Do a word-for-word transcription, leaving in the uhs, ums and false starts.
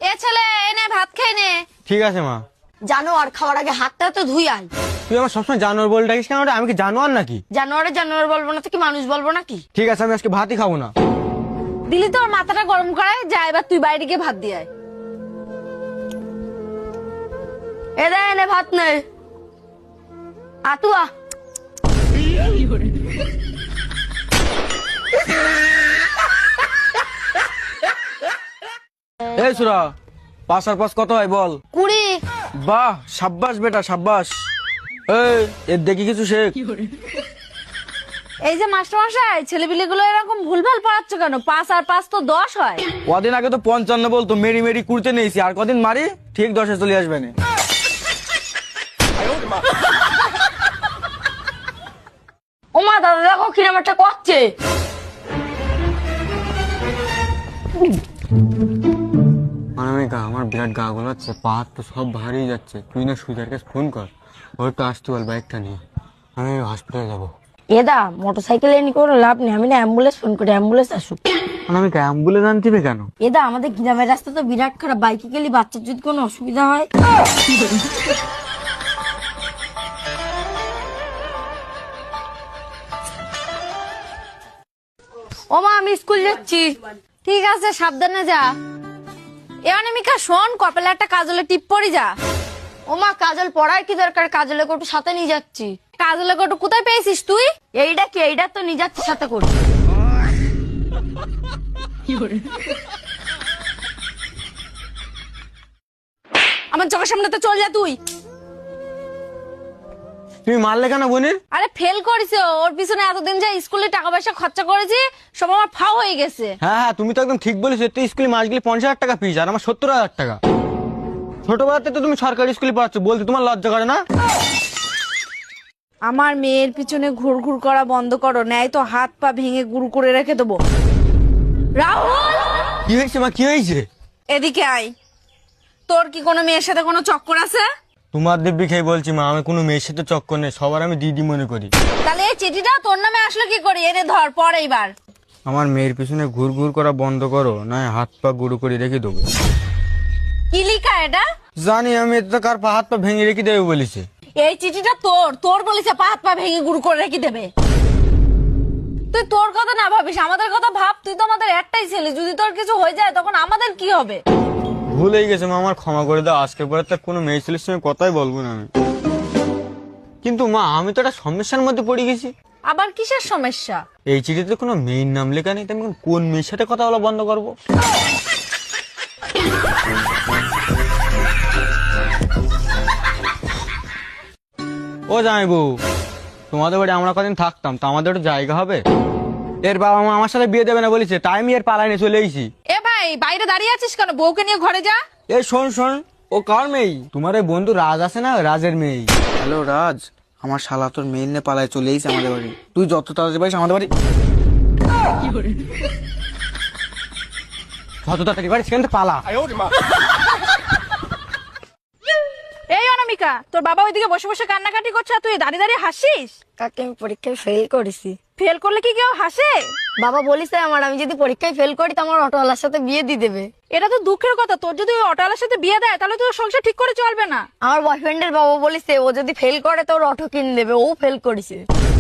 এ ছেলে এনে ভাত খেয়ে নে। ঠিক আছে মা। জানোয়ার খাওয়ার আগে হাতটা তো ধুই আয়। তুই আমার সবসময় জানোয়ার বলে ডাকিস কেন? আমি কি জানোয়ার নাকি? জানোয়ারে জানোয়ার বলবো না তো কি মানুষ বলবো নাকি? ঠিক আছে, আমি আজকে ভাতই খাবো না। দিলি তোর মাথাটা গরম করায় যা, এবার তুই বাইরে গিয়ে ভাত দিয়ে আয়। এ দে এনে ভাত নে। আতুয়া এই সুরা, পাঁচ আর পাঁচ কত হয় বল? কুড়ি। বাহ, সাব্বাস বেটা সাব্বাস। এই এর দেখি কিছু শেখ। এই যে মাস্টার মশাই, ছেলেপিলে গুলো এরকম ভুলভাল পড়াচ্ছ কেন? পাঁচ আর পাঁচ তো দশ হয়। কদিন আগে তো পঞ্চান্ন বলতো, মেরি মেরি কুড়তে নিয়েছি, আর কদিন মারি ঠিক দশে চলে আসবে না। ওমা দাদা দেখো কিরম একটা করছে। অনামিকা, আমার বিরাট গা গোলাচ্ছে, পা হাত তো সব ভারী যাচ্ছে। তুই না সুজার কাছে ফোন কর, ওর তো আসতে বল বাইকটা নিয়ে, আমি হসপিটালে যাবো। এদা মোটরসাইকেল এনে কোনো লাভ নেই, আমি না অ্যাম্বুলেন্স ফোন করি, অ্যাম্বুলেন্স আসুক। অনামিকা, অ্যাম্বুলেন্স আনতিবে কেন? এদা আমাদের গ্রামের রাস্তা তো বিরাট খারাপ, বাইকে গেলে বাচ্চার যদি কোনো অসুবিধা হয়। ও মা, আমি স্কুল যাচ্ছি। ঠিক আছে, সাবধানে যা। এ অনামিকা শোন, কপালে একটা কাজলের টিপ পরি যা। ও মা, কাজল পড়ার কি দরকার? কাজলের কোটু সাথে নিয়ে যাচ্ছি। কাজলের কোটু কোথায় পেয়েছিস তুই? এইটা কি? এইটা তো নিয়ে যাচ্ছি সাথে করে। আমার চোখের সামনে তো চল যা তুই। তুমি মারলে কেন বোনের? আরে ফেল করেছে, ওর পিছনে এতদিন যে স্কুলে টাকা পয়সা খরচা করেছি সব আমার ফাও হয়ে গেছে। হ্যাঁ হ্যাঁ, তুমি তো একদম ঠিক বলেছো। তুই স্কুলে মাস গেলে পঞ্চাশ হাজার টাকা ফিস, আর আমার সত্তর হাজার টাকা। ছোটবেলাতে তো তুমি সরকারি স্কুলে পড়াচ্ছ, বলতে তোমার লজ্জা করে না? আমার মেয়ের পিছনে ঘুর ঘুর করা বন্ধ করো, নেয় তো হাত পা ভেঙে গুরু করে রেখে দেবো। রাহুল, কি হয়েছে মা, কি হয়েছে? এদিকে আয়। তোর কি কোনো মেয়ের সাথে কোনো চক্কর আছে? তোমার দিব্যি খেয়ে বলছি মা, আমি কোনো মেয়ের সাথে চক্কর নেই, সবার আমি দিদি মনে করি। তাহলে এই চিঠিটা তোর নামে আসলো কি করি? এনে ধর, পর এইবার। আমার মেয়ের পিছনে ঘুর ঘুর করা বন্ধ করো, না হাত পা গুঁড়ো করে রেখে দেবো। কি লিখা এটা? জানি আমি, এতে তো কার পা হাত পা ভেঙে রেখে দেবে বলেছে। এই চিঠিটা তোর তোর বলেছে পা হাত পা ভেঙে গুরু করে রেখে দেবে। তুই তোর কথা না ভাবিস, আমাদের কথা ভাব। তুই তো আমাদের একটাই ছেলে, যদি তোর কিছু হয়ে যায় তখন আমাদের কি হবে? ভুল হয়ে গেছে মা, আমার ক্ষমা করে দাও। আজকে পরে তার কোনো মেয়ে ছেলের সঙ্গে কথাই বলবো না আমি। কিন্তু মা, আমি তো একটা সমস্যার মধ্যে পড়ে গেছি। আবার কিসের সমস্যা? এই চিঠিতে কোনো মেয়ের নাম লেখা নেই, তো আমি এখন কোন মেয়ের সাথে কথা বলা বন্ধ করবো? ও জামাইবু, তোমাদের বাড়ি আমরা কদিন থাকতাম, তো আমাদের একটা জায়গা হবে? এর বাবা মা আমার সাথে বিয়ে দেবে না বলেছে, তাই আমি এর পালাই নিয়ে চলে এসেছি। এ ভাই, বাইরে দাঁড়িয়ে আছিস কেন? বউকে নিয়ে ঘরে যা। এই শোন শোন, ও কার মেয়ে? তোমার ওই বন্ধু রাজ আছে না, রাজের মেয়ে। হ্যালো রাজ, আমার শালা তোর মেয়ে নিয়ে পালায় চলে এসেছে আমাদের বাড়ি। তুই যত তাড়াতাড়ি পারিস আমাদের বাড়ি। যত তাড়াতাড়ি পারিস সেখান থেকে পালা। এই অনামিকা, তোর বাবা ওইদিকে বসে বসে কান্নাকাটি করছে আর তুই দাঁড়িয়ে দাঁড়িয়ে হাসিস। কাকে আমি পরীক্ষায় ফেল করেছি। ফেল করলে কি কেউ হাসে? বাবা বলিছে আমার, আমি যদি পরীক্ষায় ফেল করি তো আমার অটোওয়ালার সাথে বিয়ে দিয়ে দেবে। এটা তো দুঃখের কথা, তোর যদি ওই অটোওয়ালার সাথে বিয়ে দেয় তাহলে তোর সংসার ঠিক করে চলবে না। আমার বয়ফ্রেন্ডের বাবা বলিছে ও যদি ফেল করে তো ওর অটো কিনে দেবে, ও ফেল করেছে।